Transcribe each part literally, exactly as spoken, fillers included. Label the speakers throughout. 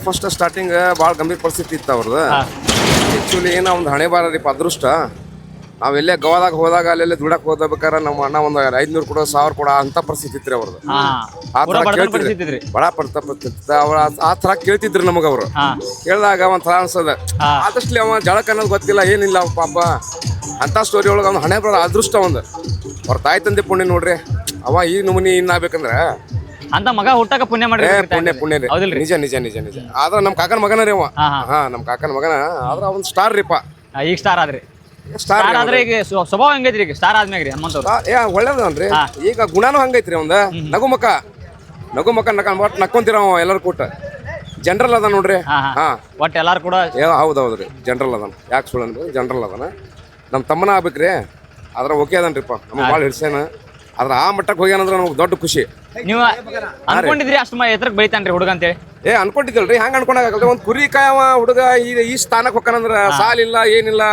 Speaker 1: First starting ಭಾಳ ಗಂಭೀರ ಪರಿಸ್ಥಿತಿ ಇತ್ತು ಅವ್ರದ್ದು. ಆ್ಯಕ್ಚುಲಿ ಏನೋ ಒಂದು ಹಣೆ ಬಾರ ರೀ ಅದೃಷ್ಟ. ನಾವೆಲ್ಲೇ ಗೋವಾದಾಗ ಹೋದಾಗ ಅಲ್ಲೆಲ್ಲ ದುಡಕ್ಕೆ ಹೋಗ್ಬೇಕಾರೆ ನಮ್ಮ ಅಣ್ಣ ಒಂದು ಐದ್ನೂರು ಕೊಡೋ ಸಾವಿರ ಕೊಡೋ ಅಂತ ಪರಿಸ್ಥಿತಿ ಇತ್ತು ರೀ ಅವ್ರದ್ದು. ಆ ಥರ ಕೇಳ್ತಿದ್ರಿ ಬಡ ಪಡ್ತಾ ಪಡ್ತಿತ್ತು ಅವ್ರ ಆ ಥರ ಕೇಳ್ತಿದ್ರಿ ನಮಗೆ ಅವರು. ಕೇಳಿದಾಗ ಒಂದು ಥರ ಅನ್ಸದ ಆದಷ್ಟು ಅವ ಜಳಕ್ಕೆ ಅನ್ನೋದು ಗೊತ್ತಿಲ್ಲ ಏನಿಲ್ಲ ಅವ ಪಾಪ ಅಂಥ ಸ್ಟೋರಿ ಒಳಗೆ ಅವ್ನು ಹಣೆ ಬರೋ ಅದೃಷ್ಟ ಒಂದು ಅವ್ರ ತಾಯಿ ತಂದೆ ಪುಣ್ಯ ನೋಡ್ರಿ. ಅವ ಈ ನಮೂನಿ ಇನ್ನಾಗಬೇಕಂದ್ರೆ
Speaker 2: ಅಂತ ಮಗ ಹುಟ್ಟಾಕ ಪುಣ್ಯ ಮಾಡಿ
Speaker 1: ಪುಣ್ಯ ಪುಣ್ಯ ರೀ. ನಿಜ ನಿಜ ನಿಜ ನಿಜ ಆದ್ರೆ ನಮ್ಮ ಕಾಕನ ಮಗನ ರೀ ಅವ. ಹಾ ನಮ್ಮ ಕಾಕನ ಮಗನ ಆದ್ರೆ ಅವ್ನು ಸ್ಟಾರ್ ರೀಪ.
Speaker 2: ಈಗ ಸ್ಟಾರ್ ಆದ್ರಿ ಸ್ಟಾರ್ ಆದ್ರೆ ಈಗ ಸ್ವಭಾವ ಹೆಂಗೈತ್ರಿ ಈಗ ಸ್ಟಾರ್ ಆದ್ಮ್ಯಾಗ ರೀ ಹನುಮಂತ
Speaker 1: ಏ ಒಳ್ಳೇದನ್ರಿ. ಈಗ ಗುಣನೂ ಹಂಗೈತ್ರಿ ಒಂದ ನಗು ಮಕ ನಗು ಮಕ ನಕ ಒಟ್ಟು ನಕ್ಕೊಂತೀರ ಅವ ಎಲ್ಲರೂ ಕೂಟ ಜನರಲ್ ಅದ ನೋಡ್ರಿ. ಹಾ
Speaker 2: ಒಟ್ಟು ಎಲ್ಲಾರು ಕೂಡ
Speaker 1: ಹೌದೌದ್ರಿ ಜನರಲ್ ಅದಾನ. ಯಾಕೆ ಸುಳ್ಳು ಅಂದ್ರೆ ಜನರಲ್ ಅದಾನ. ನಮ್ಮ ತಮ್ಮನ ಆಗ್ಬೇಕ್ರಿ ಅದ್ರ ಓಕೆ ಅದನ್ರಿಪ್ಪ ನಮ್ಗೆ ಭಾಳ ಹಿಡ್ಸೇನ. ಆದ್ರೆ ಆ ಮಟ್ಟಕ್ಕೆ ಹೋಗ್ಯಾನಂದ್ರೆ ನಮ್ಗೆ ದೊಡ್ಡ ಖುಷಿ.
Speaker 2: ನೀವು ಅನ್ಕೊಂಡಿದ್ರಿ ಅಷ್ಟು ಎತ್ತರಕ್ಕೆ ಬೆಳಿತಾನ್ರಿ ಹುಡುಗ ಅಂತೇಳಿ?
Speaker 1: ಏ ಅನ್ಕೊಂಡಿದ್ದಲ್ರಿ ಹಂಗ ಅನ್ಕೊಂಡಾಗಲ್ರಿ. ಒಂದು ಕುರಿ ಕಾಯವ ಹುಡುಗ ಈ ಈ ಸ್ಥಾನಕ್ಕೆ ಹೊಕ್ಕಾನಂದ್ರ ಸಾಲಿಲ್ಲ ಏನಿಲ್ಲ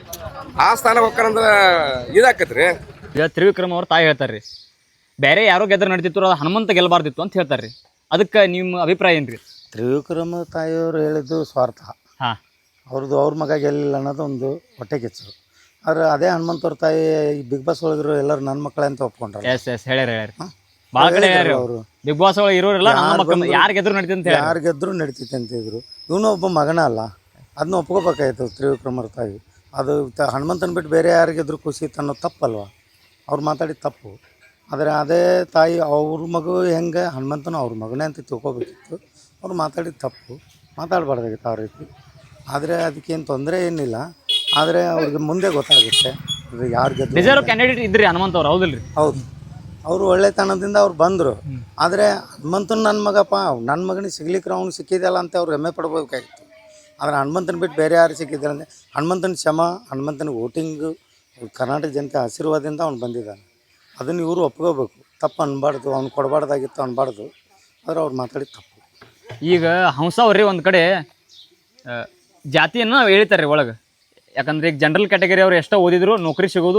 Speaker 1: ಆ ಸ್ಥಾನಕ್ಕೆ ಹೊಕ್ಕಾನಂದ್ರ ಇದಾಕತ್ರಿ.
Speaker 2: ಈಗ ತ್ರಿವಿಕ್ರಮ್ ಅವ್ರ ತಾಯಿ ಹೇಳ್ತಾರ್ರಿ ಬೇರೆ ಯಾರೋ ಗೆದ್ರ ನಡೀತಿತ್ತು ಅದು ಹನುಮಂತ ಗೆಲ್ಲಬಾರ್ದಿತ್ತು ಅಂತ ಹೇಳ್ತಾರ್ರಿ. ಅದಕ್ಕೆ ನಿಮ್ಮ ಅಭಿಪ್ರಾಯ ಏನ್ರಿ?
Speaker 3: ತ್ರಿವಿಕ್ರಮ ತಾಯಿಯವರು ಹೇಳಿದ್ದು ಸ್ವಾರ್ಥ. ಹಾಂ ಅವ್ರದ್ದು ಅವ್ರ ಮಗ ಗೆಲ್ಲಿಲ್ಲ ಅನ್ನೋದು ಒಂದು ಹೊಟ್ಟೆ ಕಿಚ್ಚು. ಆದ್ರೆ ಅದೇ ಹನುಮಂತವ್ರ ತಾಯಿ ಈ ಬಿಗ್ ಬಾಸ್ ಒಳಗಿರೋ ಎಲ್ಲರೂ ನನ್ನ ಮಕ್ಕಳೇ ಅಂತ ಒಪ್ಕೊಂಡ್ರೆ.
Speaker 2: ಎಸ್ ಎಸ್ ಹೇಳ್ಯಾರ ಹೇಳ್ಯಾರ ಭಾಳ ಕಡೆ ಅವರು ಬಿಗ್ ಬಾಸ್ ಒಳಗೆ ಇರೋರೆಲ್ಲ ಯಾರು ಗೆದ್ರು ನಡೀತಂತ
Speaker 3: ಯಾರು ಗೆದ್ರು ನಡೀತೈತೆ ಅಂತಿದ್ರು. ಇವನು ಒಬ್ಬ ಮಗನ ಅಲ್ಲ ಅದನ್ನ ಒಪ್ಕೋಬೇಕಾಯ್ತು ತ್ರಿವಿಕ್ರಮರ ತಾಯಿ. ಅದು ಹನುಮಂತನ ಬಿಟ್ಟು ಬೇರೆ ಯಾರಿಗೆದ್ರು ಖುಷಿ ಇತ್ತು ಅನ್ನೋದು ತಪ್ಪಲ್ವ? ಅವ್ರು ಮಾತಾಡಿದ ತಪ್ಪು. ಆದರೆ ಅದೇ ತಾಯಿ ಅವ್ರ ಮಗು ಹೆಂಗೆ ಹನುಮಂತನೂ ಅವ್ರ ಮಗನೇ ಅಂತ ತಿಳ್ಕೊಬೇಕಿತ್ತು. ಅವ್ರು ಮಾತಾಡಿದ ತಪ್ಪು, ಮಾತಾಡಬಾರ್ದಾಗಿತ್ತು ಆ ರೀತಿ. ಆದರೆ ಅದಕ್ಕೇನು ತೊಂದರೆ ಏನಿಲ್ಲ. ಆದರೆ ಅವ್ರಿಗೆ ಮುಂದೆ ಗೊತ್ತಾಗುತ್ತೆ ಯಾರು ಗೆದ್ದು.
Speaker 2: ರಿಸರ್ವ್ ಕ್ಯಾಂಡಿಡೇಟ್ ಇದ್ರಿ ಹನುಮಂತ ಅವ್ರು ಹೌದಿಲ್ರಿ?
Speaker 3: ಹೌದು ಅವರು ಒಳ್ಳೆತನದಿಂದ ಅವ್ರು ಬಂದರು. ಆದರೆ ಹನುಮಂತನ ನನ್ನ ಮಗಪ್ಪ ನನ್ನ ಮಗನಿಗೆ ಸಿಗ್ಲಿಕ್ಕೆ ಅವ್ನು ಸಿಕ್ಕಿದೆಯಲ್ಲ ಅಂತ ಅವ್ರು ಹೆಮ್ಮೆ ಪಡ್ಬೇಕಾಗಿತ್ತು. ಆದರೆ ಹನುಮಂತನ ಬಿಟ್ಟು ಬೇರೆ ಯಾರು ಸಿಕ್ಕಿದ್ದಾರೆ ಅಂದರೆ ಹನುಮಂತನ ಶ್ರಮ ಹನುಮಂತನ ವೋಟಿಂಗು ಕರ್ನಾಟಕ ಜನತೆ ಆಶೀರ್ವಾದದಿಂದ ಅವ್ನು ಬಂದಿದ್ದಾನೆ. ಅದನ್ನು ಇವರು ಒಪ್ಕೋಬೇಕು. ತಪ್ಪು ಅನ್ಬಾರ್ದು, ಅವ್ನು ಕೊಡಬಾರ್ದಾಗಿತ್ತು ಅನ್ಬಾರ್ದು. ಆದರೆ ಅವ್ರು ಮಾತಾಡಿದ ತಪ್ಪು.
Speaker 2: ಈಗ ಹಂಸ ಅವ್ರಿ ಒಂದು ಕಡೆ ಜಾತಿಯನ್ನು ಹೇಳ್ತಾರೆ ರೀ ಒಳಗೆ. ಯಾಕಂದ್ರೆ ಈಗ ಜನರಲ್ ಕ್ಯಾಟಗರಿ ಅವ್ರು ಎಷ್ಟೋ ಓದಿದ್ರು ನೌಕರಿ ಸಿಗೋದು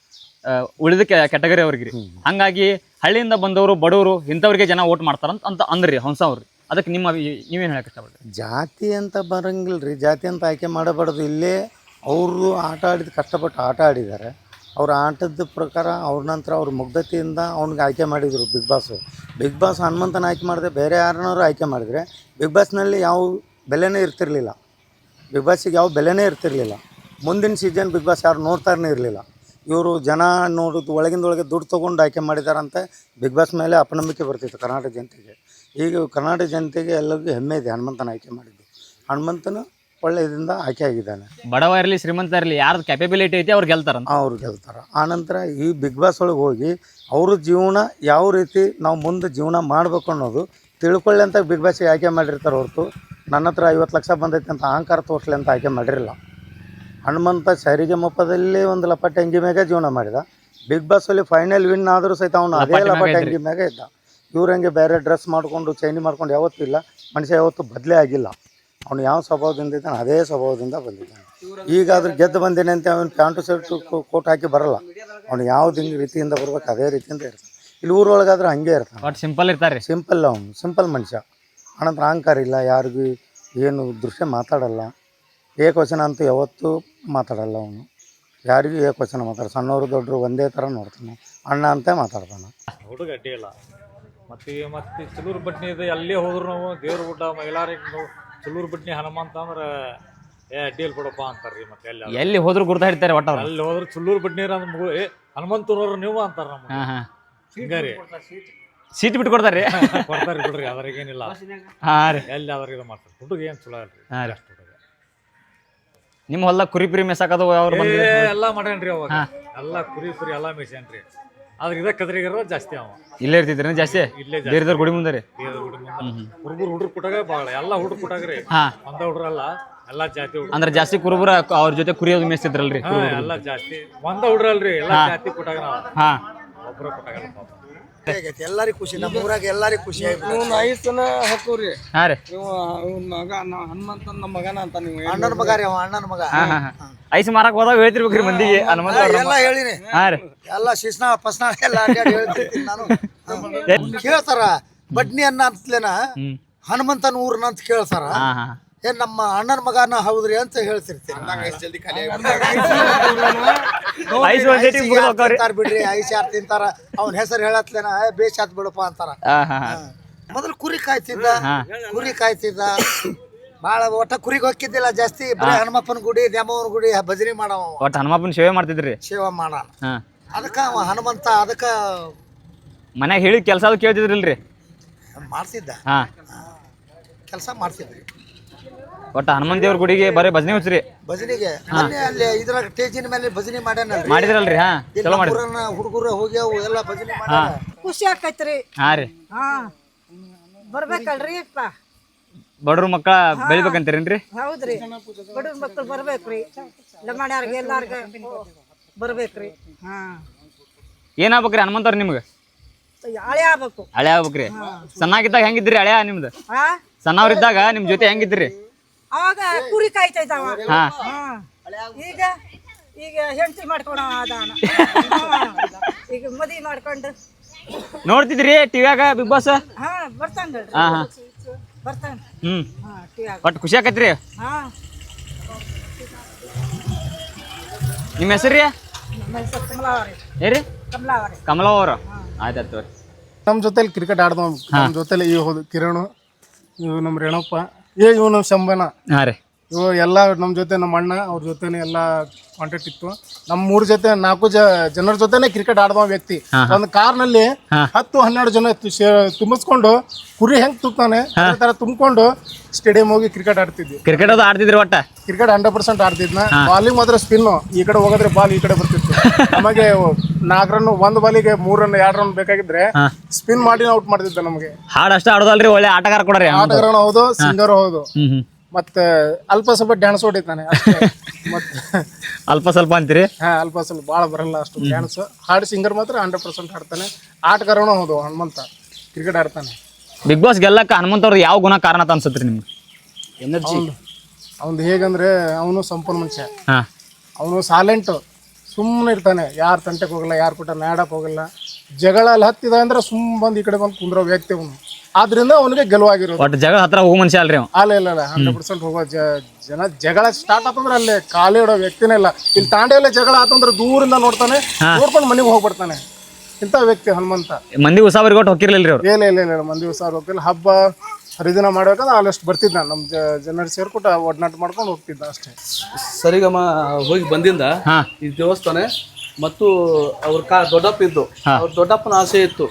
Speaker 2: ಉಳಿದ ಕ್ಯಾಟಗರಿ ಅವ್ರಿಗೆ ರೀ. ಹಂಗಾಗಿ ಹಳ್ಳಿಯಿಂದ ಬಂದವರು ಬಡವರು ಇಂಥವ್ರಿಗೆ ಜನ ಓಟ್ ಮಾಡ್ತಾರಂತ ಅಂತ ಅಂದ್ರಿ ಹಂಸ ಅವ್ರಿ. ಅದಕ್ಕೆ ನಿಮ್ಮ ನೀವೇನು ಹೇಳಕ್ಕೆ ಇಷ್ಟಪಡ್ತೀರಿ?
Speaker 3: ಜಾತಿ ಅಂತ ಬರಂಗಿಲ್ಲ ರೀ. ಜಾತಿ ಅಂತ ಆಯ್ಕೆ ಮಾಡಬಾರ್ದು. ಇಲ್ಲೇ ಅವರು ಆಟ ಆಡಿದ ಕಷ್ಟಪಟ್ಟು ಆಟ ಆಡಿದ್ದಾರೆ. ಅವ್ರ ಆಟದ ಪ್ರಕಾರ ಅವ್ರ ನಂತರ ಅವ್ರ ಮುಗ್ಧತೆಯಿಂದ ಅವ್ನಿಗೆ ಆಯ್ಕೆ ಮಾಡಿದರು ಬಿಗ್ ಬಾಸು. ಬಿಗ್ ಬಾಸ್ ಹನುಮಂತನ ಆಯ್ಕೆ ಮಾಡಿದೆ ಬೇರೆ ಯಾರನ್ನಾರು ಆಯ್ಕೆ ಮಾಡಿದರೆ ಬಿಗ್ ಬಾಸ್ನಲ್ಲಿ ಯಾವ ಬೆಲೆನೇ ಇರ್ತಿರಲಿಲ್ಲ. ಬಿಗ್ ಬಾಸಿಗೆ ಯಾವ ಬೆಲೆನೇ ಇರ್ತಿರಲಿಲ್ಲ. ಮುಂದಿನ ಸೀಸನ್ ಬಿಗ್ ಬಾಸ್ ಯಾರು ನೋಡ್ತಾರೇ ಇರಲಿಲ್ಲ. ಇವರು ಜನ ನೋಡೋದು ಒಳಗಿಂದೊಳಗೆ ದುಡ್ಡು ತೊಗೊಂಡು ಆಯ್ಕೆ ಮಾಡಿದಾರಂತೆ ಬಿಗ್ ಬಾಸ್ ಮೇಲೆ ಅಪನಂಬಿಕೆ ಬರ್ತಿತ್ತು ಕರ್ನಾಟಕ ಜನತೆಗೆ. ಈಗ ಕರ್ನಾಟಕ ಜನತೆಗೆ ಎಲ್ಲರಿಗೂ ಹೆಮ್ಮೆ ಇದೆ ಹನುಮಂತನ ಆಯ್ಕೆ ಮಾಡಿದ್ದು. ಹನುಮಂತನು ಒಳ್ಳೆ ಇದರಿಂದ ಆಯ್ಕೆ ಆಗಿದ್ದಾನೆ.
Speaker 2: ಬಡವ ಇರಲಿ ಶ್ರೀಮಂತ ಇರಲಿ ಯಾರ್ದು ಕ್ಯಾಪಬಿಲಿಟಿ ಐತಿ ಅವ್ರು ಗೆಲ್ತಾರ
Speaker 3: ಅವ್ರು ಗೆಲ್ತಾರೆ. ಆನಂತರ ಈ ಬಿಗ್ ಬಾಸ್ ಒಳಗೆ ಹೋಗಿ ಅವ್ರ ಜೀವನ ಯಾವ ರೀತಿ ನಾವು ಮುಂದೆ ಜೀವನ ಮಾಡಬೇಕು ಅನ್ನೋದು ತಿಳ್ಕೊಳ್ಳಿ ಅಂತ ಬಿಗ್ ಬಾಸಿಗೆ ಆಯ್ಕೆ ಮಾಡಿರ್ತಾರೆ ಹೊರತು ನನ್ನ ಹತ್ರ ಐವತ್ತು ಲಕ್ಷ ಬಂದೈತೆ ಅಂತ ಅಹಂಕಾರ ತೋರಿಸ್ಲಿ ಅಂತ ಆಯ್ಕೆ ಮಾಡಿರಲಿಲ್ಲ. ಹನುಮಂತ ಸರಿಗೆ ಮೊಪ್ಪದಲ್ಲಿ ಒಂದು ಲಪಟೆ ಅಂಗಿ ಮ್ಯಾಗ ಜೀವನ ಮಾಡಿದ. ಬಿಗ್ ಬಾಸಲ್ಲಿ ಫೈನಲ್ ವಿನ್ ಆದರೂ ಸಹಿತ ಅವನು ಅದೇ ಲಪಟೆ ಅಂಗಿ ಮ್ಯಾಗ ಇದ್ದ. ಇವ್ರಂಗೆ ಬೇರೆ ಡ್ರೆಸ್ ಮಾಡಿಕೊಂಡು ಚೈನಿ ಮಾಡ್ಕೊಂಡು ಯಾವತ್ತೂ ಇಲ್ಲ. ಮನುಷ್ಯ ಯಾವತ್ತೂ ಬದಲೇ ಆಗಿಲ್ಲ. ಅವನು ಯಾವ ಸ್ವಭಾವದಿಂದ ಇದ್ದಾನೆ ಅದೇ ಸ್ವಭಾವದಿಂದ ಬಂದಿದ್ದಾನೆ. ಈಗಾದ್ರೂ ಗೆದ್ದು ಬಂದೇನೆ ಅಂತ ಅವನು ಪ್ಯಾಂಟು ಶರ್ಟು ಕೋಟ್ ಹಾಕಿ ಬರಲ್ಲ. ಅವನು ಯಾವ್ದು ಹಿಂಗೆ ರೀತಿಯಿಂದ ಬರ್ಬೇಕು ಅದೇ ರೀತಿಯಿಂದ ಇರ್ತಾನೆ. ಇಲ್ಲಿ ಊರೊಳಗಾದ್ರೆ ಹಂಗೆ ಇರ್ತಾನೆ.
Speaker 2: ಸಿಂಪಲ್ ಇರ್ತಾರೆ.
Speaker 3: ಸಿಂಪಲ್ ಅವನು ಸಿಂಪಲ್ ಮನುಷ್ಯ. ಆನಂತರ ಅಹಂಕಾರ ಇಲ್ಲ. ಯಾರಿಗೂ ಏನು ದೃಶ್ಯ ಮಾತಾಡಲ್ಲ. ಏಕವಚನ ಅಂತೂ ಯಾವತ್ತೂ ಮಾತಾಡಲ್ಲ ಅವನು. ಯಾರಿಗೂ ಏಕವಚನ ಮಾತಾಡ ಸಣ್ಣವರು ದೊಡ್ಡರು ಒಂದೇ ಥರ ನೋಡ್ತಾನೆ. ಅಣ್ಣ ಅಂತ ಮಾತಾಡ್ತಾನೆ.
Speaker 4: ಹುಡುಗ ಅಡ್ಡಿ ಇಲ್ಲ. ಮತ್ತು ಮತ್ತು ಚಲೂರು ಬಟ್ನಿ ಇದೆ ಎಲ್ಲೇ ಹೋದ್ರು ನಾವು ದೇವ್ರ ಗುಡ್ಡ ಮೈಲಾರಿಗೆ ನಾವು ಚಲೂರು ಬಟ್ನಿ ಹನುಮಂತ ಅಂದ್ರೆ ಏ ಅಡ್ಡಿಯಲ್ಲಿ ಬಿಡಪ್ಪ ಅಂತಾರೆ ರೀ. ಮತ್ತೆ ಎಲ್ಲಿ
Speaker 2: ಎಲ್ಲಿ ಹೋದ್ರು ಗುರ್ತಾ ಹಿಡ್ತಾರೆ ಒಟ್ಟ
Speaker 4: ಅಲ್ಲಿ ಹೋದ್ರೆ ಚಲೂರು ಬಟ್ನಿ ಅಂದ್ರೆ ಮಗು ಏ ಹನುಮಂತನವ್ರು ನೀವು ಅಂತಾರೆ ನಮ್ಗೆ. ಹಿಂಗಾರಿ
Speaker 2: ಸೀಟ್ ಬಿಟ್ಟು ಕೊಡ್ತಾರೆ
Speaker 4: ಕೊಡ್ತಾರೆ ಬಿಡ್ರಿ. ಅದ್ರಾಗೇನಿಲ್ಲ.
Speaker 2: ಹಾಂ ರೀ
Speaker 4: ಎಲ್ಲಿ ಅದ್ರಾಗ ಇದು ಮಾಡ್ತಾರೆ. ಹುಡುಗ ಏನು ಚಲೋ ಅಲ್ರಿ.
Speaker 2: ಹಾಂ ರೀ.
Speaker 4: ಅಷ್ಟು ಹುಡುಗ
Speaker 2: ನಿಮ್ಮ ಹೊಲ ಕುರಿ ಪುರಿ ಮೇಸಾಕದು ಅವ್ರು
Speaker 4: ಎಲ್ಲ ಮಾಡ್ಯಾನ್ರಿ. ಅವಾಗ ಎಲ್ಲ ಕುರಿ ಕುರಿ ಎಲ್ಲ ಮೇಯ್ಸ್ಯಾನ್ರಿ. ಆದ್ರೆ ಇದ ಕದ್ರಿಗಾರ ಜಾಸ್ತಿ ಅವ
Speaker 2: ಇಲ್ಲೇ ಇರ್ತಿದ್ರಿ ಜಾಸ್ತಿ.
Speaker 4: ಇಲ್ಲೇ
Speaker 2: ಬೇರೆದವ್ರ ಗುಡಿ ಮುಂದೆ ರೀ
Speaker 4: ಹುಡುಗರು ಹುಡುಗ್ರು ಕುಟಾಗ ಭಾಳ ಎಲ್ಲ ಹುಡುಗ್ರು ಕುಟಾಗ್ರಿ. ಒಂದ ಹುಡ್ರಲ್ಲ ಎಲ್ಲ ಜಾತಿ ಹುಡುಗ
Speaker 2: ಅಂದ್ರೆ ಜಾಸ್ತಿ ಕುರುಬರ ಅವ್ರ ಜೊತೆ ಕುರಿ ಅದು ಮೇಯಿಸ್ತಿದ್ರಲ್ರಿ.
Speaker 4: ಎಲ್ಲ ಜಾಸ್ತಿ ಒಂದ ಹುಡ್ರಲ್ರಿ ಎಲ್ಲ ಜಾತಿ ಕುಟಾಗ ನಾವ್
Speaker 2: ಹಾ
Speaker 4: ಒಬ್ರ ಕುಟಾಗಲ್ಲ ಪಾಪ.
Speaker 3: ಎಲ್ಲರಿಗೂ ಖುಷಿ. ನಮ್ಮ ಊರಾಗ ಎಲ್ಲರಿಗೂ ಖುಷಿ ಆಯ್ತು.
Speaker 5: ಐದು ಸಲ ಹಾಕೋರಿ.
Speaker 2: ಹಾ ರೀ
Speaker 5: ಮಗ ಹನುಮಂತ ನಮ್ಮ ಮಗನ ಅಂತ ನೀವು
Speaker 3: ಅಣ್ಣನ ಮಗ ರೀ. ಅವ ಅಣ್ಣನ ಮಗ.
Speaker 2: ಐಸ್ ಮಾರಕ್ ಹೋದಾಗ ಹೇಳ್ತಿರ್ಬೇಕ್ರಿ ಮಂದಿಗೆ ಹನುಮಂತ
Speaker 3: ಎಲ್ಲ ಹೇಳಿನಿ.
Speaker 2: ಹಾ ರೀ
Speaker 3: ಎಲ್ಲ ಶಿಸ್ನ ಪಸ್ನ ಎಲ್ಲ ಹೇಳ್ತಿರ್ತೀನಿ ನಾನು. ಕೇಳ್ತಾರ ಬಡ್ನಿ ಅನ್ನ ಅಂತಲೇನ ಹನುಮಂತನ ಊರ್ನ ಅಂತ ಕೇಳ್ತಾರ
Speaker 2: ಹಾ ಹಾ
Speaker 3: ಏನ್ ನಮ್ಮ ಅಣ್ಣನ ಮಗನ ಹೌದ್ರಿ ಅಂತ ಹೇಳ್ತಿರ್ತೀನಿ
Speaker 2: ಐಸ್ ಒಂದ್ ಸತಿ ಮುಗ್ದ್ ಹೋಗ್ತಾವ್ರಿ.
Speaker 3: ತಿಂತಾರ ಬಿಡ್ರಿ ಐಸ್ ಯಾರು ತಿಂತಾರ ಅವ್ನ ಹೆಸರು ಹೇಳತ್ಲೇನ ಬೇಷ್ ಆತ್ ಬಿಡಪ್ಪ ಅಂತಾರ.
Speaker 2: ಹಾ ಹಾ ಹಾ.
Speaker 3: ಮೊದಲು ಕುರಿ ಕಾಯ್ತಿದ್ದ
Speaker 2: ಹಾ.
Speaker 3: ಕುರಿ ಕಾಯ್ತಿದ್ದ ಬಾಳ ಒಟ್ಟ ಕುರಿಗೆ ಹೋಗಿದ್ದಿಲ್ಲ ಜಾಸ್ತಿ ಬರೀ ಹನುಮಪ್ಪನ ಗುಡಿ ದ್ಯಾಮವ್ವನ ಗುಡಿ ಭಜನೆ ಮಾಡವ
Speaker 2: ಒಟ್ಟು ಹನುಮಪ್ಪನ ಸೇವೆ ಮಾಡ್ತಿದ್ರಿ.
Speaker 3: ಸೇವಾ ಮಾಡ
Speaker 2: ಹಾ
Speaker 3: ಅದಕ್ಕ ಅವ ಹನುಮಂತ ಅದಕ್ಕ
Speaker 2: ಮನ್ಯಾಗ ಹೇಳಿದ ಕೆಲಸ ಅದು ಕೇಳ್ತಿದ್ರಿಲ್ರಿ.
Speaker 3: ಮಾಡ್ತಿದ್ದ
Speaker 2: ಹಾ
Speaker 3: ಕೆಲಸ ಮಾಡ್ತಿದ್ರಿ.
Speaker 2: ಒಟ್ಟು ಹನುಮಂತ ದೇವ್ರ ಗುಡಿಗೆ ಬರೀ ಭಜನೆ ಹುಚ್ಚ್ರಿ.
Speaker 3: ಭಜನೆಗೆ ಮೊನ್ನೆ ಅಲ್ಲಿ ಇದ್ರಾಗ ಸ್ಟೇಜಿನ ಮೇಲೆ ಭಜನೆ ಮಾಡ್ಯಾನಲ್ರಿ.
Speaker 2: ಮಾಡಿದ್ರಲ್ರಿ. ಹಾ ಚಲೋ ಮಾಡಿ
Speaker 3: ಹುಡುಗರು ಹೋಗ್ಯಾವು ಎಲ್ಲ ಭಜನೆ ಮಾಡ್ಯಾರ.
Speaker 6: ಖುಷಿ ಆಕೈತ್ರಿ.
Speaker 2: ಹಾ ರೀ.
Speaker 6: ಹಾ ಬರ್ಬೇಕಲ್ರಿ ಅಪ್ಪ.
Speaker 2: ಬಡ್ರ ಮಕ್ಕಳ ಬೆಳಿಬೇಕಂತೀರೇನ್ರಿ?
Speaker 6: ಹೌದ್ರಿ, ಬಡವ್ರ ಮಕ್ಕಳು ಬರ್ಬೇಕ್ರಿ. ಲಮಾಣ್ಯಾರ್ಗೆ ಎಲ್ಲಾರ್ಗ ಬರ್ಬೇಕ್ರಿ. ಹಾ
Speaker 2: ಏನಾಗ್ಬೇಕ್ರಿ ಹನುಮಂತವ್ರ ನಿಮ್ಗೆ?
Speaker 6: ಹಳೆ ಆಗ್ಬೇಕು.
Speaker 2: ಹಳೆ ಆಗ್ಬೇಕ್ರಿ. ಸಣ್ಣಾಗಿದ್ದಾಗ ಹೆಂಗಿದ್ರಿ ಹಳೆ ನಿಮ್ದು?
Speaker 6: ಹಾ
Speaker 2: ಸಣ್ಣವ್ರಿದ್ದಾಗ ನಿಮ್ ಜೊತೆ ಹೆಂಗಿದ್ರಿ?
Speaker 6: ಅವಾಗ ಕುರಿ ಕಾಯ್ತಾ ಇದ್ದಾವ.
Speaker 2: ಹಾ
Speaker 6: ಹಾ ಈಗ ಈಗ ಹೆಂಡತಿ ಮಾಡ್ಕೊಳ ಅದಾನ. ಈಗ ಮದ್ವಿ ಮಾಡ್ಕೊಂಡು
Speaker 2: ನೋಡ್ತಿದ್ರಿ ಟಿವ್ಯಾಗ ಬಿಗ್ ಬಾಸ್?
Speaker 6: ಹಾ ಬರ್ತಾನ್ರಿ.
Speaker 2: ಹಾ ಹಾ
Speaker 6: ಬರ್ತಾನ.
Speaker 2: ಹ್ಮ್
Speaker 6: ಹಾ ಟಿಯಾಗ.
Speaker 2: ಒಟ್ಟು ಖುಷಿ ಆಕತ್ರಿ.
Speaker 6: ಹಾ
Speaker 2: ನಿಮ್ಮ ಹೆಸರು ರೀ?
Speaker 6: ನಮ್ಮ ಹೆಸರು ಕಮಲಾವರಿ.
Speaker 2: ಏರಿ
Speaker 6: ಕಮಲಾವರಿ.
Speaker 2: ಕಮಲ ಅವರು. ಆಯ್ತಾಯ್ತು.
Speaker 7: ನಮ್ಮ ಜೊತೆಲಿ ಕ್ರಿಕೆಟ್ ಆಡ್ದವ ನಮ್ಮ ಜೊತೆಲಿ ಇವ್ ಹೋದ್ ಕಿರಣ್, ಇವ್ ನಮ್ಮ ರೇಣಪ್ಪ, ಏ ಇವ್ ನಮ್ಮ ಶಂಭನ,
Speaker 2: ಹಾ ರೀ.
Speaker 7: ಇವು ಎಲ್ಲ ನಮ್ಮ ಜೊತೆ ನಮ್ಮ ಅಣ್ಣ ಅವ್ರ ಜೊತೆನೆ ಎಲ್ಲ ಕಾಂಟ್ಯಾಕ್ಟ್ ಇತ್ತು. ನಮ್ಮ ಮೂರ್ ಜೊತೆ ನಾಲ್ಕು ಜ ಜನರ ಜೊತೆನೆ ಕ್ರಿಕೆಟ್ ಆಡ್ದವ ವ್ಯಕ್ತಿ. ಒಂದು ಕಾರ್ನಲ್ಲಿ ಹತ್ತು ಹನ್ನೆರಡು ಜನ ತುಂಬಿಸ್ಕೊಂಡು ಕುರಿ ಹೆಂಗ್ ತುತ್ತಾನೆ ಅದೇ ತರ ತುಂಬಿಕೊಂಡು ಸ್ಟೇಡಿಯಂ ಹೋಗಿ ಕ್ರಿಕೆಟ್ ಆಡ್ತಿದ್ವಿ.
Speaker 2: ಕ್ರಿಕೆಟ್ ಅದು ಆಡ್ತಿದ್ರಿ ಒಟ್ಟ?
Speaker 7: ಕ್ರಿಕೆಟ್ ಹಂಡ್ರೆಡ್ ಪರ್ಸೆಂಟ್ ಆಡ್ತಿದ್ನ. ಬಾಲಿಂಗ್ ಮಾತ್ರ ಸ್ಪಿನ್, ಈ ಕಡೆ ಹೋಗಿದ್ರೆ ಬಾಲ್ ಈ ಕಡೆ ಬರ್ತಿತ್ತು. ನಮಗೆ ನಾಲ್ಕು ರನ್ ಒಂದ್ ಬಾಲಿಗೆ ಮೂರ್ ರನ್ ಎರಡು ರನ್ ಬೇಕಾಗಿದ್ರೆ ಸ್ಪಿನ್ ಮಾಡಿ ಔಟ್ ಮಾಡ್ತಿದ್ದ. ನಮಗೆ
Speaker 2: ಹಾಡ್ ಅಷ್ಟ ಆಡೋದಲ್ರಿ, ಒಳ್ಳೆ ಆಟಗಾರ ಕೊಡ್ರಿ.
Speaker 7: ಆಟಗಾರನು ಹೌದು, ಸಿಂಗರ್ ಹೌದು,
Speaker 2: ಹ್ಮ್ ಹ್ಮ್.
Speaker 7: ಮತ್ತೆ ಅಲ್ಪ ಸ್ವಲ್ಪ ಡ್ಯಾನ್ಸ್ ಹೊಡಿತಾನೆ ಅಷ್ಟೇ. ಮತ್ತೆ
Speaker 2: ಅಲ್ಪ ಸ್ವಲ್ಪ ಅಂತೀರಿ?
Speaker 7: ಹಾ ಅಲ್ಪ ಸ್ವಲ್ಪ ಭಾಳ ಬರಲ್ಲ ಅಷ್ಟು ಡ್ಯಾನ್ಸ್. ಹಾಡು ಸಿಂಗರ್ ಮಾತ್ರ ಹಂಡ್ರೆಡ್ ಪರ್ಸೆಂಟ್ ಆಡ್ತಾನೆ. ಆಟಗಾರನು ಹೌದು ಹನುಮಂತ, ಕ್ರಿಕೆಟ್ ಆಡ್ತಾನೆ.
Speaker 2: ಬಿಗ್ ಬಾಸ್ ಗೆಲ್ಲಕ್ಕ ಹನುಮಂತವ್ರದ್ದು ಯಾವ ಗುಣ ಕಾರಣ ಅಂತ ಅನ್ಸತ್ರಿ ನಿಮ್ಗೆ? ಎನರ್ಜಿ
Speaker 7: ಅವ್ನು ಹೇಗಂದ್ರೆ ಅವನು ಸಂಪೂರ್ಣ ಮನುಷ್ಯ.
Speaker 2: ಹಾ
Speaker 7: ಅವನು ಸೈಲೆಂಟ್, ಸುಮ್ಮನೆ ಇರ್ತಾನೆ. ಯಾರು ತಂಟೆಗೆ ಹೋಗಲ್ಲ, ಯಾರು ಕೂಟ ನಾಡಕ್ಕೆ ಹೋಗಲ್ಲ. ಜಗಳ ಅಲ್ಲಿ ಹತ್ತಿದ ಅಂದ್ರೆ ಸುಮ್ಮ ಬಂದು ಈ ಕಡೆ ಬಂದು ಕುಂದ್ರೋ ವ್ಯಕ್ತಿ ಅವನು. ಆದ್ರಿಂದ ಅವನಿಗೆ ಗೆಲುವಾಗಿರೋದು.
Speaker 2: ಒಟ್ಟು ಜಗಳ ಹತ್ರ ಹೋಗೋ ಮನುಷ್ಯ ಅಲ್ರಿ ಅವ?
Speaker 7: ಅಲ್ಲ ಇಲ್ಲ ಇಲ್ಲ ಹಂಡ್ರೆಡ್ ಪರ್ಸೆಂಟ್ ಹೋಗೋ ಜನ ಜಗಳ ಸ್ಟಾರ್ಟ್ ಆತಂದ್ರೆ ಅಲ್ಲೇ ಕಾಲೇ ಇಡೋ ವ್ಯಕ್ತಿನೇ ಇಲ್ಲ. ಇಲ್ಲಿ ತಾಂಡೆಯಲ್ಲೇ ಜಗಳ ಆತಂದ್ರೆ ದೂರಿಂದ ನೋಡ್ತಾನೆ, ನೋಡ್ಕೊಂಡು ಮನೆಗೆ ಹೋಗ್ಬಿಡ್ತಾನೆ. ಇಂಥ ವ್ಯಕ್ತಿ ಹನುಮಂತ.
Speaker 2: ಮಂದಿ ಉಸಾವರಿಗೆ ಒಟ್ಟು ಹೋಗಿರ್ಲಿಲ್ರಿ ಅವ್ರು?
Speaker 7: ಇಲ್ಲ ಇಲ್ಲ ಇಲ್ಲ ಮಂದಿ ಉಸಾರ ಹೋಗ್ತಿಲ್ಲ. ಹಬ್ಬ ಹರಿದಿನ ಮಾಡ್ಬೇಕಾದ್ರೆ ಆಲ್ಮೋಸ್ಟ್ ಬರ್ತಿದ್ದ. ನಮ್ಮ ಜನರು ಸೇರ್ಕೊಟ್ಟು ಒಡನಾಟ ಮಾಡ್ಕೊಂಡು ಹೋಗ್ತಿದ್ದ ಅಷ್ಟೇ.
Speaker 8: ಸರಿಗಮ ಹೋಗಿ ಬಂದಿಂದ
Speaker 2: ಹಾ
Speaker 8: ಈ ದೇವಸ್ಥಾನ ಮತ್ತು ಅವ್ರ ಕಾ ದೊಡ್ಡಪ್ಪ ಇದ್ದು, ಅವ್ರ ದೊಡ್ಡಪ್ಪನ ಆಸೆ ಇತ್ತು.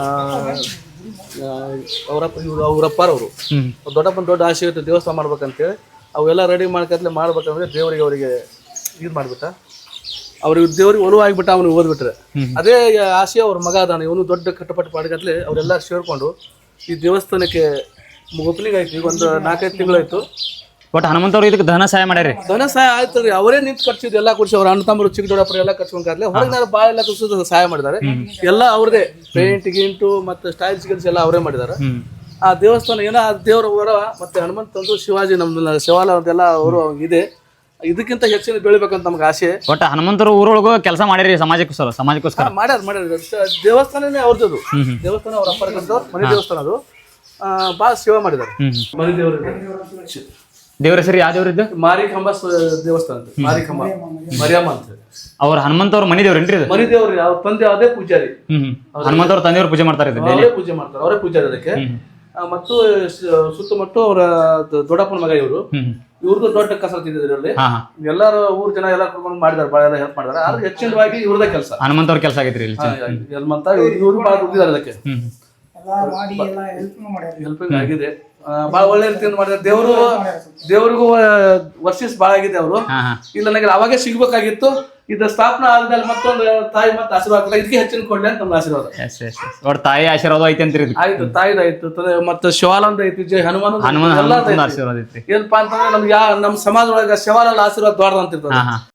Speaker 8: ಅವರಪ್ಪ ಇವರು ಅವರಪ್ಪರವರು
Speaker 2: ಹ್ಮ್
Speaker 8: ದೊಡ್ಡಪ್ಪನ ದೊಡ್ಡ ಆಸೆ ಇತ್ತು ದೇವಸ್ಥಾನ ಮಾಡ್ಬೇಕಂತೇಳಿ. ಅವೆಲ್ಲ ರೆಡಿ ಮಾಡ್ಕತ್ಲೆ ಮಾಡ್ಬೇಕಂದ್ರೆ ದೇವರಿಗೆ ಅವರಿಗೆ ಇದು ಮಾಡ್ಬಿಟ್ಟ. ಅವ್ರಿಗೆ ದೇವ್ರಿಗೆ ಒಲುವಾಗಿಬಿಟ್ಟ. ಅವನು ಓದ್ಬಿಟ್ರೆ ಅದೇ ಆಸೆ ಅವ್ರ ಮಗ ಅದಾನ. ಇವನು ದೊಡ್ಡ ಕಟ್ಟಪಟ್ಟು ಪಾಡ್ಗತ್ಲೆ ಅವರೆಲ್ಲ ಸೇರ್ಕೊಂಡು ಈ ದೇವಸ್ಥಾನಕ್ಕೆ ಓಪನಿಂಗ್ ಆಯ್ತು. ಈಗ ಒಂದು ನಾಲ್ಕೈದು ತಿಂಗಳಾಯ್ತು.
Speaker 2: ಒಟ್ಟು ಹನುಮಂತವ್ರು ಇದಕ್ಕೆ ಧನ ಸಹಾಯ ಮಾಡ್ಯಾರಿ.
Speaker 8: ಧನ ಸಹಾಯ ಆಯ್ತು ರೀ. ಅವರೇ ನಿಂತು ಖರ್ಚಿದ್ದು ಎಲ್ಲ ಖರ್ಚು. ಅವ್ರ ಅಣ್ಣ ತಮ್ಮರು ಚಿಕ್ಕ ದೊಡ್ಡಪ್ಪರು ಎಲ್ಲ ಖರ್ಚುಕೊಂಡ್ರೆ ಹೊರಗಿನ ಭಾಳ ಎಲ್ಲ ಖರ್ಚು ಸಹಾಯ ಮಾಡಿದ್ದಾರೆ. ಎಲ್ಲ ಅವ್ರದೇ ಪೇಂಟ್ ಗಿಂಟು ಮತ್ತು ಸ್ಟೈಲ್ಸ್ ಗಿಲ್ಸ್ ಎಲ್ಲ ಅವರೇ ಮಾಡಿದ್ದಾರೆ. ಆ ದೇವಸ್ಥಾನ ಏನೋ ಆ ದೇವರ ವರ ಮತ್ತೆ ಹನುಮಂತ ತಂದು ಶಿವಾಜಿ ನಮ್ದು ಶಿವಾಲ ಅಂತೆಲ್ಲ ಅವರು ಇದೆ. ಇದಕ್ಕಿಂತ ಹೆಚ್ಚಿನ ಬೆಳಿಬೇಕಂತ ನಮ್ಗೆ ಆಸೆ.
Speaker 2: ಒಟ್ಟು ಹನುಮಂತರು ಊರೊಳಗೂ ಕೆಲಸ ಮಾಡಿರಿ ಸಮಾಜಕ್ಕೋಸ್ಕರ ಸಮಾಜಕ್ಕೋಸ್ಕರ
Speaker 8: ಮಾಡ್ಯಾರ ಮಾಡ್ಯಾರ ದೇವಸ್ಥಾನನೇ ಅವ್ರದ್ದು. ದೇವಸ್ಥಾನ ಅವ್ರ ಅಪ್ಪರ ಮನೆ ದೇವಸ್ಥಾನ ಅದು. ಭಾಳ ಸೇವೆ ಮಾಡಿದ್ದಾರೆ. ಮನೆ ದೇವರು
Speaker 2: ದೇವ್ರ ಹೆಸರು ಯಾವ ದೇವ್ರ ಇದ್ದು?
Speaker 8: ಮಾರಿಕಂಬ ದೇವಸ್ಥಾನ ಅಂತ. ಮಾರಿಕಂಬ ಮರಿಯಮ್ಮ ಅಂತ
Speaker 2: ಅವ್ರ ಹನುಮಂತವ್ರ ಮನಿ ದೇವ್ರೇನ್ರಿ?
Speaker 8: ಮನಿ ದೇವ್ರಿ. ಅವ್ರ ತಂದೆ ಅದೇ ಪೂಜಾರಿ.
Speaker 2: ಹ್ಮ್ ಅವರ ತಂದೆಯವ್ರು ಪೂಜೆ ಮಾಡ್ತಾರೆ.
Speaker 8: ಅವರೇ ಪೂಜೆ ಮಾಡ್ತಾರೆ, ಅವರೇ ಪೂಜಾರಿ ಅದಕ್ಕೆ. ಮತ್ತು ಸುತ್ತಮುತ್ತ ಅವರ ದೊಡ್ಡಪ್ಪನ ಮಗ ಇವರು. ಇವ್ರದ್ದು ದೊಡ್ಡ ಕಸರತ್ ಇದೆ ಇದರಲ್ಲಿ. ಎಲ್ಲಾರು ಊರ್ ಜನ ಎಲ್ಲ ಕುತ್ಕೊಂಡು ಮಾಡಿದಾರೆ, ಭಾಳ ಎಲ್ಲ ಹೆಲ್ಪ್ ಮಾಡಿದಾರೆ. ಆದ್ರೆ ಹೆಚ್ಚಿನವಾಗಿ ಇವ್ರದೇ ಕೆಲಸ,
Speaker 2: ಹನುಮಂತವ್ರ ಕೆಲಸ ಆಗೈತ್ರಿ ಇಲ್ಲಿ.
Speaker 8: ಹನುಮಂತ ಇವ್ರು ಭಾಳ ದುಡ್ಡಿದ್ದಾರೆ ಅದಕ್ಕೆ. ಹೆಲ್ಪಿಂಗ್ ಆಗಿದೆ. ಭಾಳ ಒಳ್ಳೆ ರೀತಿಯಿಂದ ಮಾಡಿದ್ದಾರೆ. ದೇವರು ದೇವ್ರಿಗೂ ವರ್ಷಿಸ್ ಭಾಳ ಆಗಿದೆ ಅವರು. ಇಲ್ಲ ನನಗೆ ಅವಾಗೇ ಸಿಗ್ಬೇಕಾಗಿತ್ತು. ಇದು ಸ್ಥಾಪನಾ ಆದ್ಮೇಲೆ ಮತ್ತೊಂದು ತಾಯಿ ಮತ್ತೆ ಆಶೀರ್ವಾದ ಇದಕ್ಕೆ ಹೆಚ್ಚಿನ ಕೊಡ್ಲಿ ಅಂತ ನಮ್ಮ ಆಶೀರ್ವಾದ.
Speaker 2: ಒಟ್ಟು ತಾಯಿ ಆಶೀರ್ವಾದ ಐತಿ ಅಂತೀರಿ?
Speaker 8: ಆಯ್ತು, ತಾಯಿದಾಯ್ತು, ಮತ್ತೆ ಶಿವಾಲಂದ ಐತಿ, ಜೈ ಹನುಮಾನ
Speaker 2: ಹನುಮಾನ ಆಶೀರ್ವಾದ ಐತಿ.
Speaker 8: ಏನಪ್ಪಾ ಅಂತಂದ್ರೆ ನಮ್ಗೆ ಯಾ ನಮ್ಮ ಸಮಾಜ ಒಳಗ ಶಿವಾಲಲ್ಲ ಆಶೀರ್ವಾದ ದೊಡ್ಡದ ಅಂತಿರ್ತದೆ.